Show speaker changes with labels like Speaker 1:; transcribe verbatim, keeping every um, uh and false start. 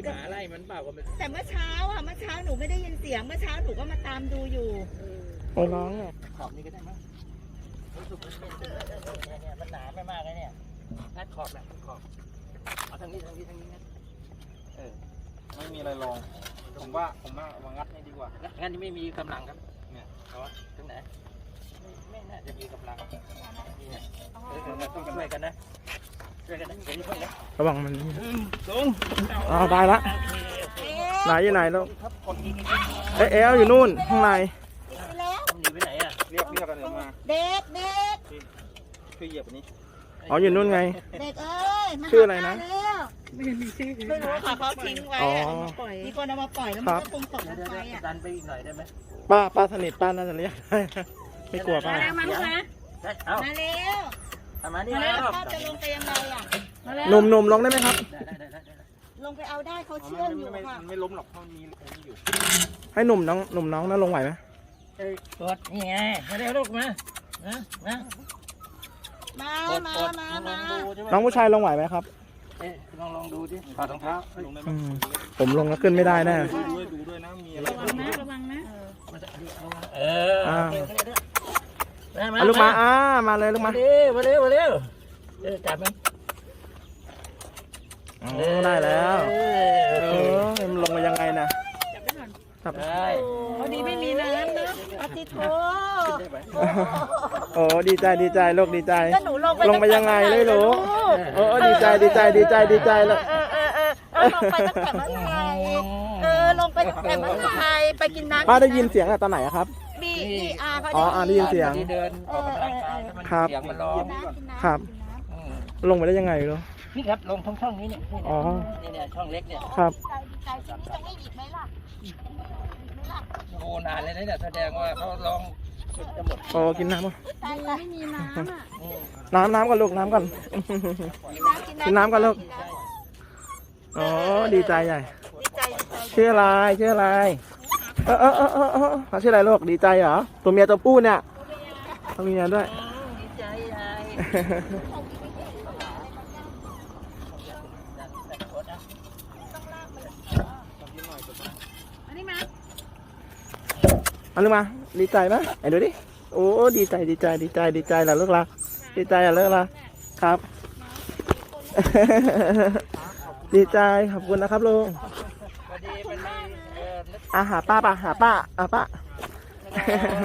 Speaker 1: หมาไล่มันเปล่าก็ไม่
Speaker 2: แต่เมื่อเช้าอ่ะเมื่อเช้าหนูไม่ได้ยินเสียงเมื่อเช้าหนูก็มาตามดูอยู่
Speaker 3: โอ้ร้องเนี่ย
Speaker 1: ขอบนี้ก็ได้มั้งรู้สึกมันเนี่ยเนี่ยมันหนาไม่มากเลยเนี่ยนัดขอบแหละขอบเอาทางนี้ทางนี้ทางนี้นะเออ
Speaker 4: ไม่มีอะไรลองผมว่าผมว่าวางงัดนี่ดีกว่า
Speaker 1: งั้นนี่ไม่มีกำลังครับเนี่ยเอาวะตรงไหนไม่ไม่น่าจะมีกำลังนี่เนี่ยเออเราต้องช่วยกันนะช่วยกันนะเดี๋ยวนี้ช่วยนะ
Speaker 3: ระวังมัน
Speaker 1: ลง
Speaker 3: อ๋อได้ละไหนอยู่ไหนลูกเอ๊ะเอลอยู่นู่นข้างใน
Speaker 1: หนีไปไหนอ่ะ
Speaker 4: เรียกเรียกกันเดี๋ยวมา
Speaker 2: เด็กเด็ก
Speaker 4: ช่วยเหยียบอันนี้
Speaker 3: อ๋ออยู่นู่นไง
Speaker 2: เด็กเอ้ย
Speaker 3: ชื่ออะไรนะ
Speaker 2: ไม่มีชื่อไม่รู้ค่ะเขาทิ้งไว้มีคนเอามาปล่อยแล้วมันก็คงตกลงไปอ่ะ
Speaker 1: ดันไปอีกหน่อยได้ไหม
Speaker 3: ป้าป้าสนิทป้าน่าจะเรียกได้ไม่กลัวป้า
Speaker 2: มาลูกนะ
Speaker 1: เอา
Speaker 2: มาเร็ว
Speaker 1: มาดิมา
Speaker 2: พ่อจะลงไปยังไงอ่ะ
Speaker 3: หนุ่มหนุ่มลงได้ไหมครับ
Speaker 2: ลงไปเอาได้เขาเชื่อมอยู่ค่ะ
Speaker 4: ไม่ล้มหรอกเพราะมีอะไรอยู่
Speaker 3: ให้หนุ่มน้องหนุ่มน้องน่าลงไหวไหม
Speaker 1: กดนี่ไงมาเร็วลูกมานะนะ
Speaker 2: มามามามา
Speaker 3: น้องผู้ชายลงไหวไหมครับ
Speaker 1: เอ๊ะลองลองดูดิถอดรองเท้าลงได้ไหม
Speaker 3: ผมลงแล้วขึ้นไม่ได้แน่
Speaker 4: ดูด้วยดูด้วยนะมีอะไร
Speaker 2: ระวังนะระวังนะ
Speaker 1: เออ
Speaker 3: มาลูกมาอ่ามาเลยลูกมา
Speaker 1: มาเร็วมาเร็วมาเร็วเออจับมัน
Speaker 3: ได้แล้วเออมันลงมายังไงนะจับ
Speaker 1: ได้
Speaker 2: พอดีไม่มีน้ำนะปฏิโท
Speaker 3: โอ้ดีใจดีใจลูกดีใจลงไปยังไงเลยลูกโอ้ดีใจดีใจดีใจดีใจเลย
Speaker 2: เออเออเออลงไปตั้งแต่เมื่อไหร่เออลงไปตั้งแต่เมื่อไหร่ไปกินน้ำ
Speaker 3: ป้าได้ยินเสียงตอนไหนครับ
Speaker 2: บีบีอาร์
Speaker 3: อ๋ออ่าได้ยินเสียง
Speaker 1: เดินออกกำลังกาย
Speaker 3: ครับ
Speaker 1: เสียงมันร้อง
Speaker 3: ครับลงไปได้ยังไงลูก
Speaker 1: นี่ครับลงช่องช่องนี้เนี่ย
Speaker 3: อ๋อ
Speaker 1: นี่เนี่ยช่องเล็กเนี่ย
Speaker 3: ครับ
Speaker 2: ใจจะไม่หยิบไหมล่ะ
Speaker 1: โอ้นานเลยนะเนี่ยแสดงว่าเขาลองจะหมด
Speaker 3: โอ้กินน้ำป่ะ
Speaker 2: ไม่มีน้ำอ่ะ
Speaker 3: น้ำน้ำก่อนลูกน้ำก่อนกินน้ำก่อนลูกอ๋อดีใจใหญ่ชื่ออะไรชื่ออะไรเออเออเออเออเออเขาชื่ออะไรลูกดีใจเหรอตัวเมียตัวผู้เนี่ยตัวเมียด้วย
Speaker 2: ดีใจใหญ่
Speaker 3: เอาลูกมาดีใจไหมไหนดูดิโอ้ดีใจดีใจดีใจดีใจล่ะลูกละดีใจอ่ะลูกละครับดีใจขอบคุณนะครับลุงอาหาป้าป่ะหาป้าอ่ะป้า